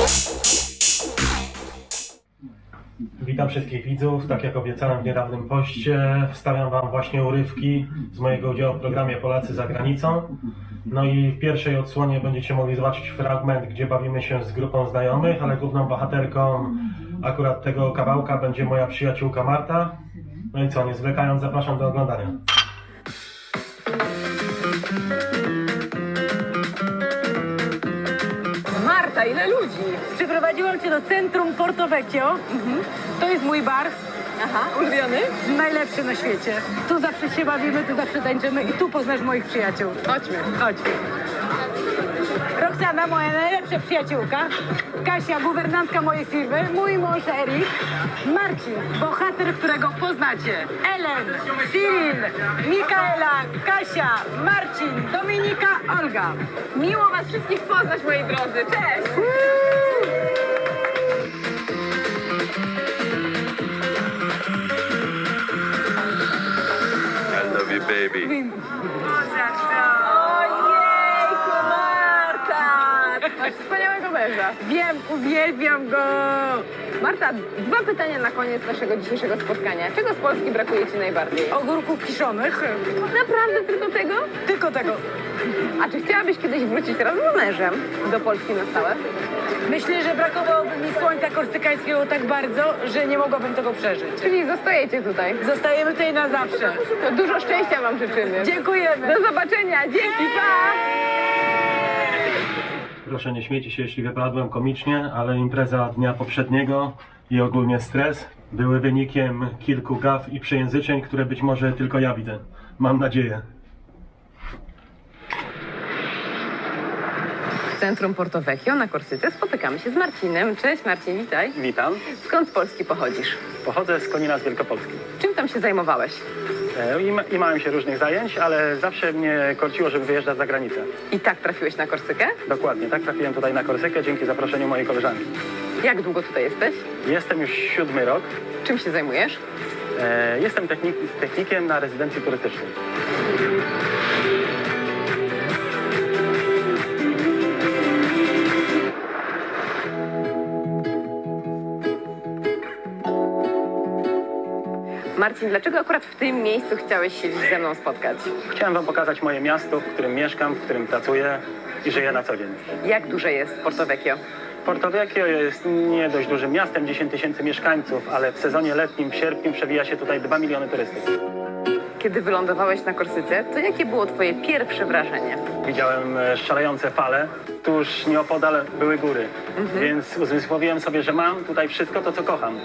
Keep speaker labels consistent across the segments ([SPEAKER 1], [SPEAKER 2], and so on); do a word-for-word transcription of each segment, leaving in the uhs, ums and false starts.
[SPEAKER 1] Witam wszystkich widzów. Tak jak obiecałem w niedawnym poście, wstawiam Wam właśnie urywki z mojego udziału w programie Polacy za granicą. No i w pierwszej odsłonie będziecie mogli zobaczyć fragment, gdzie bawimy się z grupą znajomych, ale główną bohaterką akurat tego kawałka będzie moja przyjaciółka Marta. No i co, nie zwlekając, zapraszam do oglądania.
[SPEAKER 2] Marta, ile ludzi?
[SPEAKER 3] Przyprowadziłam cię do centrum Porto Vecchio.
[SPEAKER 2] Mhm.
[SPEAKER 3] To jest mój bar,
[SPEAKER 2] Aha, ulubiony?
[SPEAKER 3] najlepszy na świecie. Tu zawsze się bawimy, tu zawsze tańczymy i tu poznasz moich przyjaciół.
[SPEAKER 2] Chodźmy.
[SPEAKER 3] Chodźmy. Roxana, moja najlepsza przyjaciółka. Kasia, guwernantka mojej firmy. Mój mąż Erik. Marcin, bohater, którego poznacie. Ellen, Cyril, Mikaela, Kasia, Marcin, Dominika, Olga.
[SPEAKER 2] Miło was wszystkich poznać, moi drodzy. Cześć!
[SPEAKER 4] I love you, baby.
[SPEAKER 2] Ojejku, Marta! Masz wspaniałego męża.
[SPEAKER 3] Wiem, uwielbiam go.
[SPEAKER 2] Marta, dwa pytania na koniec naszego dzisiejszego spotkania. Czego z Polski brakuje ci najbardziej?
[SPEAKER 3] Ogórków kiszonych.
[SPEAKER 2] Naprawdę tylko tego?
[SPEAKER 3] Tylko tego.
[SPEAKER 2] A czy chciałabyś kiedyś wrócić razem z mężem do Polski na stałe?
[SPEAKER 3] Myślę, że brakowałoby mi słońca korsykańskiego tak bardzo, że nie mogłabym tego przeżyć.
[SPEAKER 2] Czyli zostajecie tutaj.
[SPEAKER 3] Zostajemy tutaj na zawsze.
[SPEAKER 2] To dużo szczęścia wam życzymy.
[SPEAKER 3] Dziękujemy.
[SPEAKER 2] Do zobaczenia. Dzięki, pa!
[SPEAKER 1] Proszę nie śmiejcie się, jeśli wypadłem komicznie, ale impreza dnia poprzedniego i ogólnie stres były wynikiem kilku gaf i przejęzyczeń, które być może tylko ja widzę. Mam nadzieję.
[SPEAKER 2] W centrum Porto Vecchio na Korsyce spotykamy się z Marcinem. Cześć Marcin, witaj.
[SPEAKER 5] Witam.
[SPEAKER 2] Skąd z Polski pochodzisz?
[SPEAKER 5] Pochodzę z Konina z Wielkopolski.
[SPEAKER 2] Czym tam się zajmowałeś?
[SPEAKER 5] E, I, ma- I małem się różnych zajęć, ale zawsze mnie korciło, żeby wyjeżdżać za granicę.
[SPEAKER 2] I tak trafiłeś na Korsykę?
[SPEAKER 5] Dokładnie, tak trafiłem tutaj na Korsykę dzięki zaproszeniu mojej koleżanki.
[SPEAKER 2] Jak długo tutaj jesteś?
[SPEAKER 5] Jestem już siódmy rok.
[SPEAKER 2] Czym się zajmujesz?
[SPEAKER 5] E, Jestem technik- technikiem na rezydencji turystycznej.
[SPEAKER 2] Marcin, dlaczego akurat w tym miejscu chciałeś się dziś ze mną spotkać?
[SPEAKER 5] Chciałem wam pokazać moje miasto, w którym mieszkam, w którym pracuję i żyję na co dzień.
[SPEAKER 2] Jak duże jest Porto Vecchio?
[SPEAKER 5] Porto Vecchio jest nie dość dużym miastem, dziesięć tysięcy mieszkańców, ale w sezonie letnim, w sierpniu przewija się tutaj dwa miliony turystów.
[SPEAKER 2] Kiedy wylądowałeś na Korsyce, to jakie było twoje pierwsze wrażenie?
[SPEAKER 5] Widziałem e, szalejące fale, tuż nieopodal były góry, więc uzmysłowiłem sobie, że mam tutaj wszystko to, co kocham.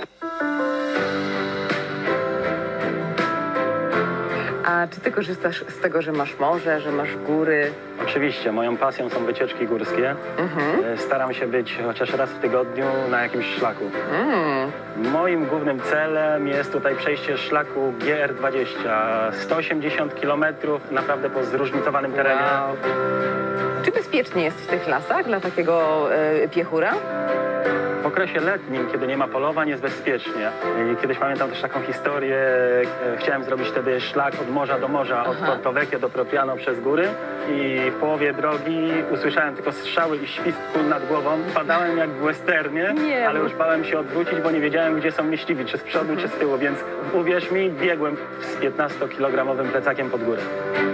[SPEAKER 2] A czy ty korzystasz z tego, że masz morze, że masz góry?
[SPEAKER 5] Oczywiście, moją pasją są wycieczki górskie. E, Staram się być chociaż raz w tygodniu na jakimś szlaku.
[SPEAKER 2] Mm.
[SPEAKER 5] Moim głównym celem jest tutaj przejście szlaku G R dwadzieścia. sto osiemdziesiąt kilometrów, naprawdę po zróżnicowanym terenie.
[SPEAKER 2] Wow. Czy bezpiecznie jest w tych lasach dla takiego e, piechura?
[SPEAKER 5] W okresie letnim, kiedy nie ma polowań, jest bezpiecznie. I kiedyś pamiętam też taką historię, e, chciałem zrobić wtedy szlak od morza do morza, od
[SPEAKER 2] Aha.
[SPEAKER 5] Porto Vecchio do Propriano przez góry i w połowie drogi usłyszałem tylko strzały i świst kul nad głową. Padałem jak w westernie,
[SPEAKER 2] Nie
[SPEAKER 5] ale
[SPEAKER 2] mów.
[SPEAKER 5] już bałem się odwrócić, bo nie wiedziałem, gdzie są myśliwi, czy z przodu, czy z tyłu, więc uwierz mi, biegłem z piętnastokilogramowym plecakiem pod górę.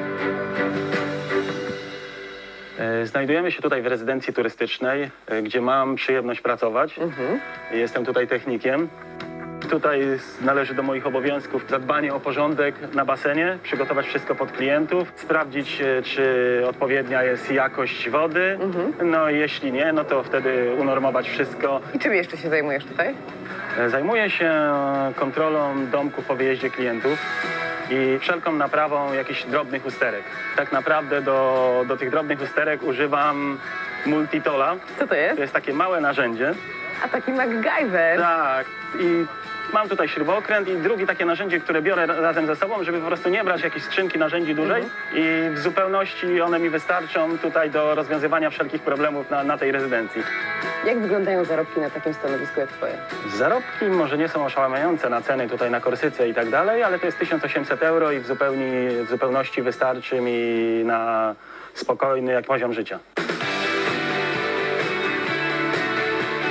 [SPEAKER 5] E, Znajdujemy się tutaj w rezydencji turystycznej, e, gdzie mam przyjemność pracować.
[SPEAKER 2] Mhm.
[SPEAKER 5] Jestem tutaj technikiem. Tutaj należy do moich obowiązków zadbanie o porządek na basenie, przygotować wszystko pod klientów, sprawdzić, e, czy odpowiednia jest jakość wody. No i jeśli nie, no to wtedy unormować wszystko.
[SPEAKER 2] I czym jeszcze się zajmujesz tutaj?
[SPEAKER 5] E, Zajmuję się kontrolą domków po wyjeździe klientów i wszelką naprawą jakichś drobnych usterek. Tak naprawdę do, do tych drobnych usterek używam multitola.
[SPEAKER 2] Co to jest?
[SPEAKER 5] To jest takie małe narzędzie.
[SPEAKER 2] A taki MacGyver.
[SPEAKER 5] Tak. I mam tutaj śrubokręt i drugie takie narzędzie, które biorę ra- razem ze sobą, żeby po prostu nie brać jakiejś skrzynki narzędzi dużej. I w zupełności one mi wystarczą tutaj do rozwiązywania wszelkich problemów na, na tej rezydencji.
[SPEAKER 2] Jak wyglądają zarobki na takim stanowisku jak twoje?
[SPEAKER 5] Zarobki może nie są oszałamiające na ceny tutaj na Korsyce i tak dalej, ale to jest tysiąc osiemset euro i w, zupełni, w zupełności wystarczy mi na spokojny jak poziom życia.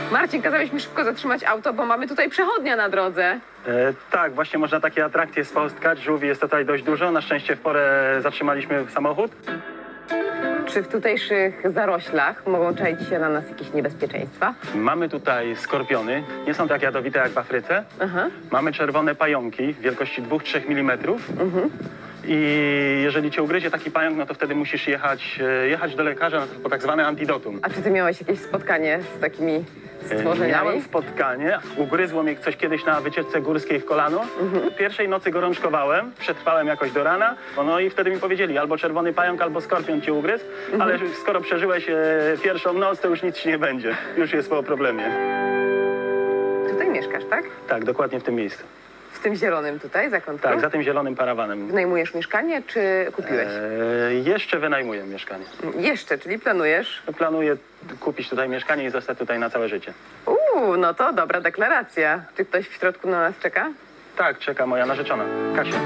[SPEAKER 2] Marcin, kazałeś mi szybko zatrzymać auto, bo mamy tutaj przechodnia na drodze.
[SPEAKER 5] E, tak, właśnie można takie atrakcje spotkać. Żółwi jest tutaj dość dużo. Na szczęście w porę zatrzymaliśmy samochód.
[SPEAKER 2] Czy w tutejszych zaroślach mogą czaić się na nas jakieś niebezpieczeństwa?
[SPEAKER 5] Mamy tutaj skorpiony. Nie są tak jadowite jak w Afryce.
[SPEAKER 2] Aha.
[SPEAKER 5] Mamy czerwone pająki wielkości dwa do trzech milimetrów. I jeżeli cię ugryzie taki pająk, no to wtedy musisz jechać, e, jechać do lekarza na- po tak zwane antidotum.
[SPEAKER 2] A czy ty miałeś jakieś spotkanie z takimi stworzeniami?
[SPEAKER 5] Miałem spotkanie, ugryzło mnie coś kiedyś na wycieczce górskiej w kolano. Pierwszej nocy gorączkowałem, przetrwałem jakoś do rana, no i wtedy mi powiedzieli, albo czerwony pająk, albo skorpion cię ugryzł, ale skoro przeżyłeś e, pierwszą noc, to już nic ci nie będzie, już jest po problemie.
[SPEAKER 2] Tutaj mieszkasz, tak?
[SPEAKER 5] Tak, dokładnie w tym miejscu.
[SPEAKER 2] W tym zielonym tutaj, zakątku?
[SPEAKER 5] Tak, za tym zielonym parawanem.
[SPEAKER 2] Wynajmujesz mieszkanie, czy kupiłeś?
[SPEAKER 5] E, jeszcze wynajmuję mieszkanie.
[SPEAKER 2] Jeszcze, czyli planujesz?
[SPEAKER 5] Planuję kupić tutaj mieszkanie i zostać tutaj na całe życie.
[SPEAKER 2] Uuu, no to dobra deklaracja. Czy ktoś w środku na nas czeka?
[SPEAKER 5] Tak, czeka moja narzeczona, Kasia.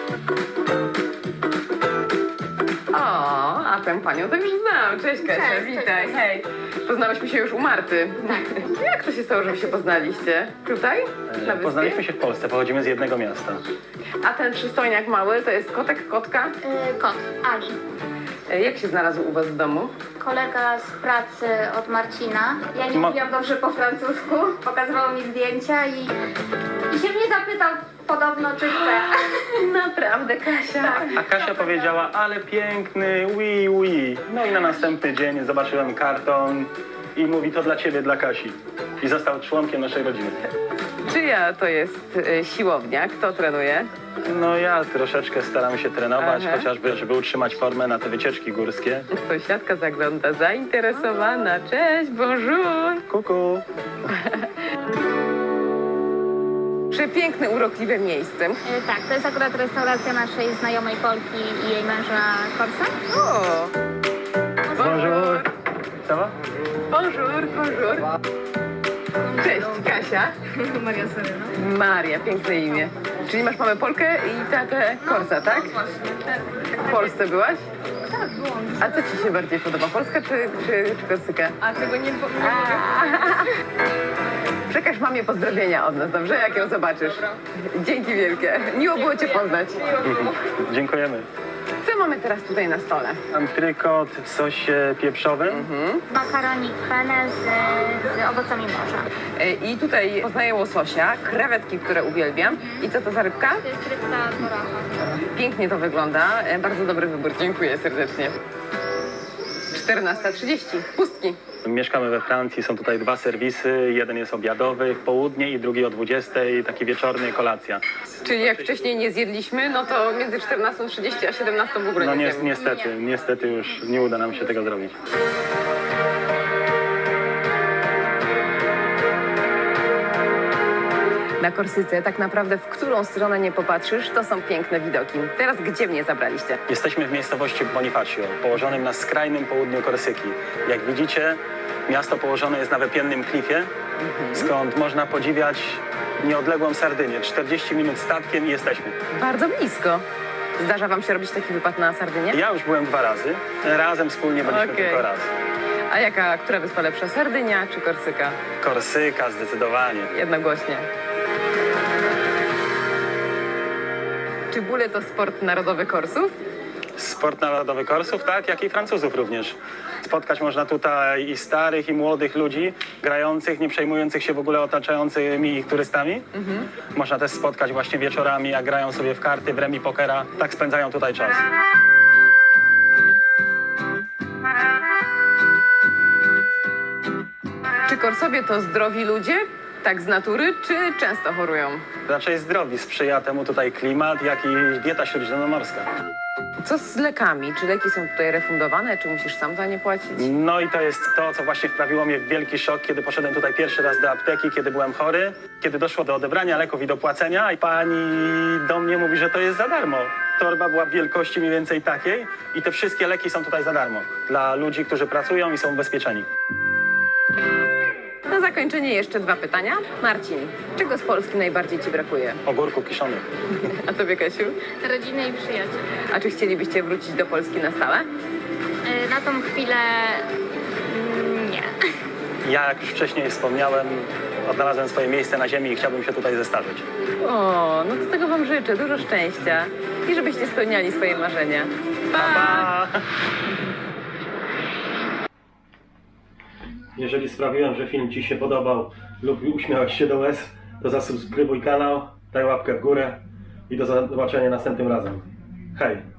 [SPEAKER 2] O, a tę panią to już znam. Cześć Kasia,
[SPEAKER 4] Cześć,
[SPEAKER 2] witaj.
[SPEAKER 4] cześć.
[SPEAKER 2] Hej. Poznałyśmy się już u Marty. Tak. Jak to się stało, że wy się poznaliście? Tutaj? Na
[SPEAKER 5] E,
[SPEAKER 2] wyspie?
[SPEAKER 5] Poznaliśmy się w Polsce, pochodzimy z jednego miasta.
[SPEAKER 2] A ten przystojniak mały to jest kotek, kotka?
[SPEAKER 4] Y, Kot, Ari.
[SPEAKER 2] E, Jak się znalazł u was w domu?
[SPEAKER 4] Kolega z pracy od Marcina. Ja nie
[SPEAKER 5] Ma-
[SPEAKER 4] mówiłam dobrze po francusku. Pokazywał mi zdjęcia i, i się mnie zapytał podobno, czy chce.
[SPEAKER 2] Naprawdę, Kasia.
[SPEAKER 5] A Kasia powiedziała, ale piękny, oui, oui. No i na następny dzień zobaczyłem karton i mówi, to dla ciebie, dla Kasi. I został członkiem naszej rodziny.
[SPEAKER 2] Czyja to jest e, siłownia? Kto trenuje?
[SPEAKER 5] No ja troszeczkę staram się trenować,
[SPEAKER 2] Aha.
[SPEAKER 5] chociażby, żeby utrzymać formę na te wycieczki górskie.
[SPEAKER 2] Sąsiadka zagląda, zainteresowana. Cześć, bonjour.
[SPEAKER 5] Kuku.
[SPEAKER 2] Przepiękne, urokliwe miejsce.
[SPEAKER 4] Y, tak, to jest akurat restauracja naszej znajomej Polki i jej męża Korsa.
[SPEAKER 2] O!
[SPEAKER 5] Bonjour. Co?
[SPEAKER 2] Bonjour, bonjour. Cześć, Kasia.
[SPEAKER 4] Maria Soryno.
[SPEAKER 2] Maria, piękne imię. Czyli masz mamę Polkę i tatę Korsa, tak? W Polsce byłaś?
[SPEAKER 4] Tak, byłam.
[SPEAKER 2] A co ci się bardziej podoba, Polska czy, czy, czy Korsyka?
[SPEAKER 4] A tego nie, po-
[SPEAKER 2] Przekaż mamie pozdrowienia od nas, dobrze? Jak ją zobaczysz. Dzięki wielkie. Miło było cię poznać.
[SPEAKER 5] Dziękujemy.
[SPEAKER 2] Co mamy teraz tutaj na stole?
[SPEAKER 5] Antrykot w sosie pieprzowym.
[SPEAKER 4] Makaronik penne z, z owocami morza.
[SPEAKER 2] E, I tutaj poznaję łososia, krewetki, które uwielbiam. I co to za rybka?
[SPEAKER 4] To jest rybka moracha.
[SPEAKER 2] Pięknie to wygląda. E, Bardzo dobry wybór. Dziękuję serdecznie. czternasta trzydzieści. Pustki.
[SPEAKER 5] Mieszkamy we Francji, są tutaj dwa serwisy. Jeden jest obiadowy w południe i drugi o dwudziestej, taki wieczorny, kolacja.
[SPEAKER 2] Czyli jak wcześniej nie zjedliśmy, no to między czternastą trzydzieści a siedemnastą w ogóle
[SPEAKER 5] No
[SPEAKER 2] nie
[SPEAKER 5] ni-
[SPEAKER 2] zjemy.
[SPEAKER 5] niestety, niestety już nie uda nam się tego zrobić.
[SPEAKER 2] Na Korsyce tak naprawdę w którą stronę nie popatrzysz, to są piękne widoki. Teraz gdzie mnie zabraliście?
[SPEAKER 5] Jesteśmy w miejscowości Bonifacio, położonym na skrajnym południu Korsyki. Jak widzicie, miasto położone jest na wypiennym klifie, skąd można podziwiać nieodległą Sardynię. czterdzieści minut statkiem i jesteśmy.
[SPEAKER 2] Bardzo blisko. Zdarza wam się robić taki wypad na Sardynię?
[SPEAKER 5] Ja już byłem dwa razy, razem wspólnie byliśmy
[SPEAKER 2] Okej.
[SPEAKER 5] tylko raz.
[SPEAKER 2] A jaka, która wyspa lepsza, Sardynia czy Korsyka?
[SPEAKER 5] Korsyka zdecydowanie.
[SPEAKER 2] Jednogłośnie. Czy bóle to sport narodowy Korsów?
[SPEAKER 5] Sport narodowy Korsów, tak, jak i Francuzów również. Spotkać można tutaj i starych, i młodych ludzi, grających, nie przejmujących się w ogóle otaczającymi ich turystami. Można też spotkać właśnie wieczorami, jak grają sobie w karty, w remi pokera. Tak spędzają tutaj czas.
[SPEAKER 2] Czy Korsowie to zdrowi ludzie, tak z natury, czy często chorują?
[SPEAKER 5] Raczej zdrowi, sprzyja temu tutaj klimat, jak i dieta śródziemnomorska.
[SPEAKER 2] Co z lekami? Czy leki są tutaj refundowane, czy musisz sam za nie płacić?
[SPEAKER 5] No i to jest to, co właśnie wprawiło mnie w wielki szok, kiedy poszedłem tutaj pierwszy raz do apteki, kiedy byłem chory, kiedy doszło do odebrania leków i do płacenia, i pani do mnie mówi, że to jest za darmo. Torba była w wielkości mniej więcej takiej i te wszystkie leki są tutaj za darmo dla ludzi, którzy pracują i są ubezpieczeni.
[SPEAKER 2] Na zakończenie jeszcze dwa pytania. Marcin, czego z Polski najbardziej ci brakuje?
[SPEAKER 5] Ogórków kiszonych.
[SPEAKER 2] A tobie, Kasiu?
[SPEAKER 4] Rodziny i przyjaciół.
[SPEAKER 2] A czy chcielibyście wrócić do Polski na stałe?
[SPEAKER 4] Y, na tą chwilę mm, nie.
[SPEAKER 5] Ja, jak już wcześniej wspomniałem, odnalazłem swoje miejsce na ziemi i chciałbym się tutaj zestarzeć.
[SPEAKER 2] O, no to tego wam życzę. Dużo szczęścia i żebyście spełniali swoje marzenia. Pa!
[SPEAKER 5] Pa!
[SPEAKER 1] Jeżeli sprawiłem, że film Ci się podobał lub uśmiałeś się do łez, to zasubskrybuj kanał, daj łapkę w górę i do zobaczenia następnym razem. Hej!